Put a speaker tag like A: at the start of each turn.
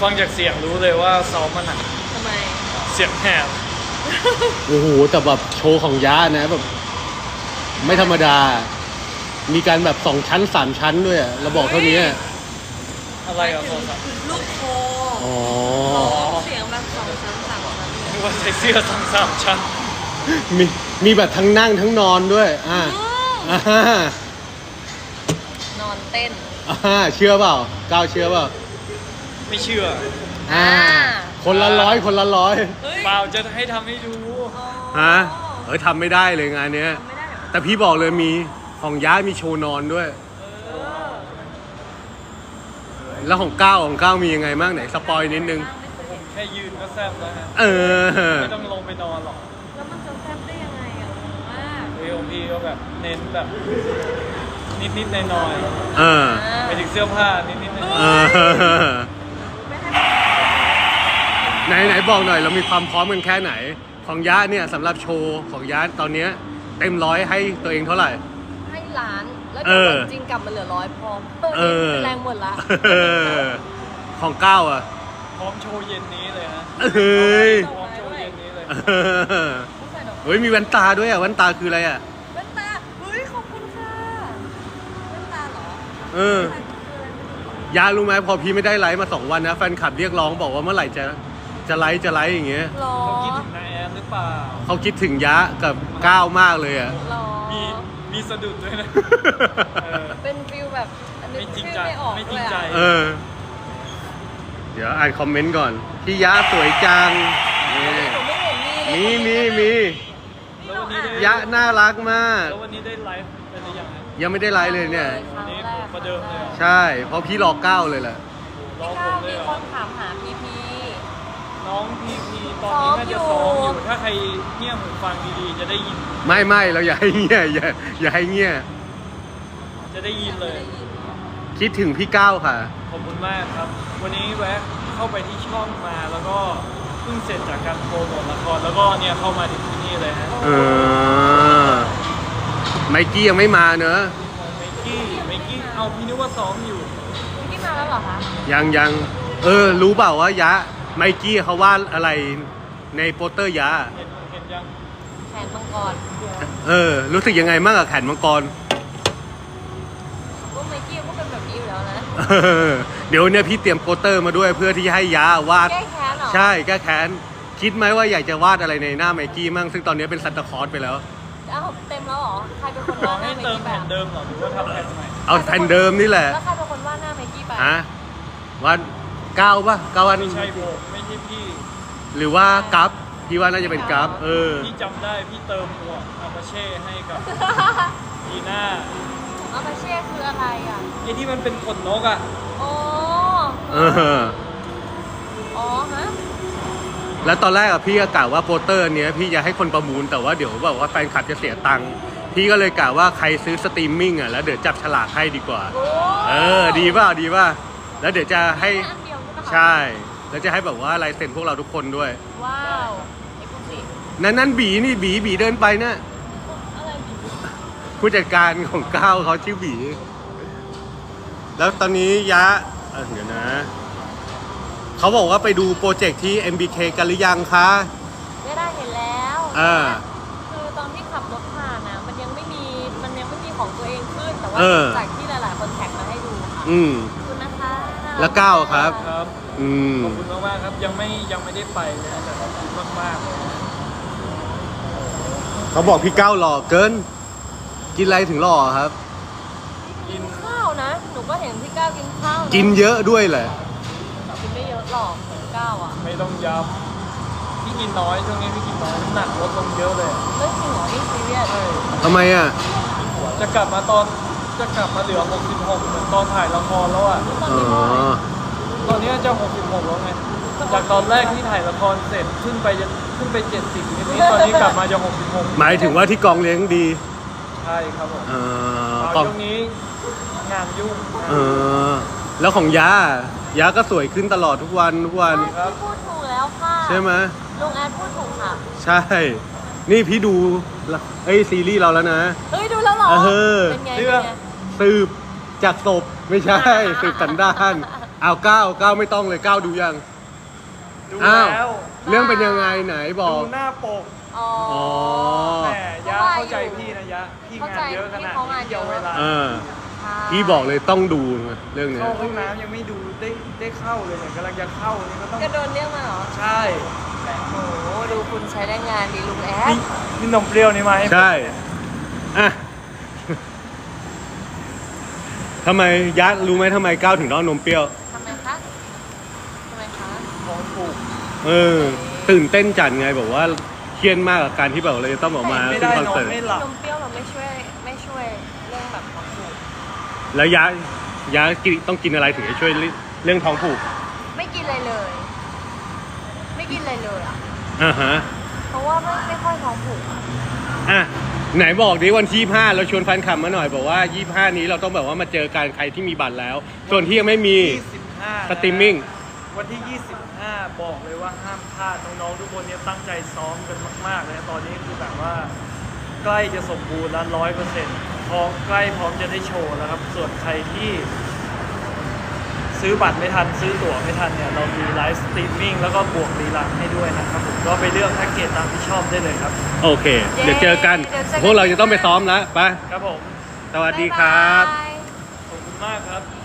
A: ฟังจากเสียงรู้เลยว่าซ้อมมาหนัก
B: ทำไม
A: เสียงแหบ
C: โอ้โหแต่แบบโชว์ของยะนะแบบไม่ธรรมดา มีการแบบ2 ชั้น 3 ชั้นด้วยอะเราบอกเท่านี้อะ
A: อะไรกับโทรศัพท์
B: ลูกโค
C: อ๋อ
B: เสียงแบบ2 ชั้น 3 ชั้น
A: นึกว่าใส่เสื้อ2-3 ชั้น
C: มีแบบทั้งนั่งทั้งนอนด้วยอ่า
B: นอนเต้น
C: เชื่อเปล่าก้าวเชื่อเปล่า
A: ไม่เชื่อ
C: คนละร้อยคนละร้อย
B: เฮ้ย
A: เปล่าจะให้ทำให้ดู
C: ฮะทำไม่ได้เลยงานเนี้ย
B: ทำไม่ได้เหรอ
C: แต่พี่บอกเลยมีของย้ายมีโชว์นอนด้วย แล้วของก้าวมียังไงบ้างไหนสปอยนิดนึง
A: ผมแค่ยืนก็แซ่บแล้วฮะ
C: เออ
A: ไม่ต้องลงไปนอนหรอก
B: แล้วมันจะแซ่บได้ยังไงอ่ะมาก
A: เอโอพีก็แบบเน้นแบบนิดๆหน่อย
C: เออ
A: ๆไปถึงเสื้อผ้านิดๆหน่อย
C: เออ
B: ไม่ให้
C: ไหนบอกหน่อยเรามีความพร้อมกันแค่ไหน ของย้าเนี่ยสำหรับโชว์ของย้าตอนเนี้ยเต็ม100ให้ตัวเองเท่าไหร่
B: ให้ล้าน แล้วเดี๋ยววันจริงกลับมาเหลือ100พอ
C: เออ
B: แรงหมดละ
C: ของก้าวอ่ะ
A: พร้อมโชว์เย็นนี้เลยฮะ
C: เฮ้ย
A: พร้อมโชว์เย็นนี้เลย
B: ต้องใส่ดอก
C: เฮ้ยมีแว่นตาด้วยอ่ะแว่นตาคืออะไรอ่ะ
B: แว่นตาเฮ้ยขอบคุณค่ะแว่นตาเหรอ
C: เออ ยารู้ไหมพอพี่ไม่ได้ไลฟ์มา2 วันนะแฟนคลับเรียกร้องบอกว่าเมื่อไหร่จะไลฟ์อย่างเงี้ย
B: หรอ
A: เขาคิดถึงนายแอนหรือเปล่า
C: เขาคิดถึงยะกับก้าวมากเลยอ่ะ
B: หรอ
A: มีสะดุดด้วยนะเออ
B: เป็นฟิลแบบอันนี้
A: ไม่จริง
B: ชื่อ
A: ใจ
B: ไม่ออก
A: ไม่จ
B: เล
A: ริง
B: ย
A: ใจ
B: อะ
C: เออ เดี๋ยวอ่านคอมเมนต์ก่อน พี่ยะสวยจังนี่
B: หนูไม่เห็นมีเลย
C: มี
A: แล้ววันนี้ได้
C: ยะน่ารักมาก
A: แล้ววันนี้ได้ไลฟ์เป็นหรือยังฮะ
C: ยังไม่ได้ไลฟ์เลยเนี่ย
B: ครั้ง
A: นี่
B: แรก
A: ประเดิมเลยเหรอ
C: ใช่ เพราะพี่รอก้าวเลยแหละ
A: ร้อง
B: พี่
A: ผ
B: ก้าม ว
A: เล
B: มี
A: ยเหร
B: ค
A: อน
B: ถามหาพีพี
A: น้องพีพีตอนนี้น่าจะซ้อมอยู่ถ้าใครเงี่ยหูฟังดีๆจะได้ยิน
C: ไม่เราอย่าให้เงี้ยอย่าให้เงี้ย
A: จะได้ยินเลย
C: คิดถึงพี่ก้าวค่ะ
A: ขอบคุณมากครับ วันนี้แวะเข้าไปที่ช่องมาแล้วก็เพิ่งเสร็จจากการโปรโมทละครแล้วก็เนี่ยเข้ามาถึงที่นี่เลยฮะ
C: เออ ไมกี้ยังไม่มาเนอะ
A: ไมกี้เอาพี่นึกว่าซ้อมอยู่
B: พี่มาแล้วเหรอคะ
C: ยังรู้เปล่าว่ายะ ไมกี้เขาวาดอะไรในโปสเตอร์ยะ
A: เห็นยัง
B: แขนมังกร
C: รู้สึกยังไงบ้างกับแขนมังกร
B: ก็ไมกี้ก็เป็นแบบนี้อยู่แล้วนะ
C: เดี๋ยวเนี่ยพี่เตรียมโปสเตอร์มาด้วยเพื่อที่จะให้ยาวาด
B: แก้แค้นเหรอ
C: ใช่แก้แค้นคิดไหมว่าอยากจะวาดอะไรในหน้าไมกี้มั่งซึ่งตอนนี้เป็นซันตาคลอสไปแล้ว
B: อ้าวเต็มแล้วเหรอ ใครเป็นคน
A: ลอ
B: วาง ดหน้า
A: ให้
B: ไม
A: เติม
B: กี้
A: แผ่น
B: ไป
A: เดิมเหรอหรือว่าทำแผ่นใหม่
C: เอาแผ่นเดิมนี่แหละ
B: แล้วใครเป็นคนวาดหน้าไมกี้ไป
C: ฮะวาดก้าวป่ะก้าววาด
A: ไม่ใช่ผมไม่ใช่พี่
C: หรือว่ากัฟพี่ว่าน่าจะเป็นกัฟ
A: พี่จำได้พี่เติมหมวกอาปาเช่ให้กับดีน่า
B: อาปาเช่คืออะไรอ่ะ
A: ไอ้ที่มันเป็นขนนกอ่ะ
B: อ๋อ
C: เออ
B: อ๋อฮะ
C: แล้วตอนแรกอะพี่ก็กะว่าโปสเตอร์เนี้ยพี่จะให้คนประมูลแต่ว่าเดี๋ยวแบบว่าแฟนคลับจะเสียตังค์พี่ก็เลยกะว่าใครซื้อสตรีมมิ่งอะแล้วเดี๋ยวจับฉลากให้ดีกว่า
B: โอ้
C: ดีป่ะแล้วเดี๋ยวจะให้
B: แค่อันเดียวใช่ไหมคะ
C: ใช่แล้วจะให้แบบว่าลายเซ็นพวกเราทุกคนด้วย
B: ว้าวไอ้พวกสิ
C: นั่นบีนี่บีเดินไปนะ
B: อะไรดิ
C: ผู้จัดการของก้าวเขาชื่อบี แล้วตอนนี้ยะเดี๋ยวนะเขาบอกว่าไปดูโปรเจกต์ที่ MBK กันหรือยังคะ
B: ไม่ได้เห็นแล้ว คือตอนที่ขับรถผ่านนะมันยังไม่มีของตัวเองขึ้น แต่ว่าจากที่หลายๆคนแท็กมาให้ดูค่ะ ขอบคุณนะคะ
C: แล้วก้าวครับ
A: ครับขอบคุณมากๆครับยังไม่ได้ไปเลยนะแต่ขอบคุณมากๆเลยนะ
C: เขาบอกพี่ก้าวหล่อเกิน กินอะไรถึงหล่อครับ
B: กินข้าวนะ หนูก็เห็นพี่ก้าวกินข้าวะ
C: กินเยอะด้วยแหละ
B: กินไม่เยอะหรอกพี่ก้าวอ่ะ
A: ไม่ต้องย้ำพี่กินน้อยช่วงนี้พี่กินน้อยน้ำหนักลดลงเยอะเลย
B: เรื่องจริงเหรอนี่ซีเรียส
A: ใช่
C: ทำไมอ่ะ
A: จะกลับมาเหลือ66เหมือนตอนถ่ายละครแล้วอ่ะ
B: ตอน
C: อ๋
B: นี้เท่าไหร่
C: อ
A: ตอนนี้จะ66แล้วไงจากตอนแรกที่ถ่ายละครเสร็จขึ้นไป70นิดๆตอนนี้กลับมาจะ66
C: หมายถึงว่าที่กองเลี้ยงดี
A: ใช่ครับผม
C: กอง
A: ช่วงนี้งานยุ่ง
C: แล้วของยะก็สวยขึ้นตลอดทุกวัน
B: พี่พูดถูกแล้วค่ะ
C: ใช่ไหม
B: ลุงแอดพูดถูกค่ะ
C: ใช่ นี่พี่ดูซีรีส์เราแล้วนะ
B: เฮ้ยดูแล้วเหรอ
C: เออ
B: เป็นไง
A: เรื่อง
C: สืบจากศพไม่ใช่ สืบสันดานเอาก้าวไม่ต้องเลยก้าวดูยัง
A: ดู
C: อ้าว
A: แล้ว
C: เรื่องเป็นยังไงไหนบอ
A: ดู
C: ก
A: หน้าปก
B: อ๋อ
C: อ๋อ
A: แหมยะเข้าใจพี่นะยะพี่งานเยอะขนาด
B: เข้าใจ
A: นี้เดียวเวลา
C: พี่บอกเลยต้องดูเรื่องเนี้ย
A: เข้าห้องน้ำยังไม่ดูได้เข้าเลยเนี่ยกำลังจะเข้านี่ก็ต้อง
B: ก็โดนเรียกมาเหรอ
A: ใช่
B: โอ้โหดูคุณใช้ได้งานดีลุงแอ
A: นี่
B: ด
A: นี่นมเปรี้ยวนี่มาให้ผม
C: ใช่อ่ะทำไมยัดรู้ไหมทำไมก้าวถึงต้องนมเปรี้ยว
B: ทำไมคะทำไมคะ
A: ของถูก
C: ตื่นเต้นจัดไงบอกว่าเครียดมากกับการที่แบบเราจะต้องออกมา
A: ไม่
C: ขึ้น
A: ได้
C: คอน
A: นอน
C: เสิร์ต
A: ไม่หลับ
B: นมเปรี้ยวเราไม่ช่วยเรื่องแบบของผูก
C: แล้วยะต้องกินอะไรถึงจะช่วยเรื่องท้องผูก
B: ไม่กินอะไรเลย ไม่กินอะไรเลยอ่ะ
C: อ่าฮะ
B: เพราะว่าไม่ค่อยท้องผูกอะ
C: อ่ะไหนบอกดิวันที่25เราชวนแฟนคลับมาหน่อยบอกว่า25นี้เราต้องแบบว่ามาเจอกันใครที่มีบัตรแล้ว ส่วนที่ยังไม่มี
A: 25
C: สตรีมมิ่ง
A: วันที่ 25 บอกเลยว่าห้ามพลาดน้องๆทุกคนเนี่ยตั้งใจซ้อมกันมากๆเลยนะตอนนี้คือแบบว่าใกล้จะสมบูรณ์แล้ว100%พร้อมใกล้พร้อมจะได้โชว์แล้วครับ ส่วนใครที่ซื้อบัตรไม่ทันซื้อตั๋วไม่ทันเนี่ยเรามีไลฟ์สตรีมมิ่งแล้วก็บวกรีลันให้ด้วยนะครับผมก็ไปเลือกแพ็กเกจตามที่ชอบได้เลยครับ
C: โอเค เดี๋ยวเจอกัน พวกเราจะต้องไปซ้อมแล้วไป
A: ครับผม
C: สวัสดีครับ
B: บ๊ายบาย
A: ขอบคุณมากครับ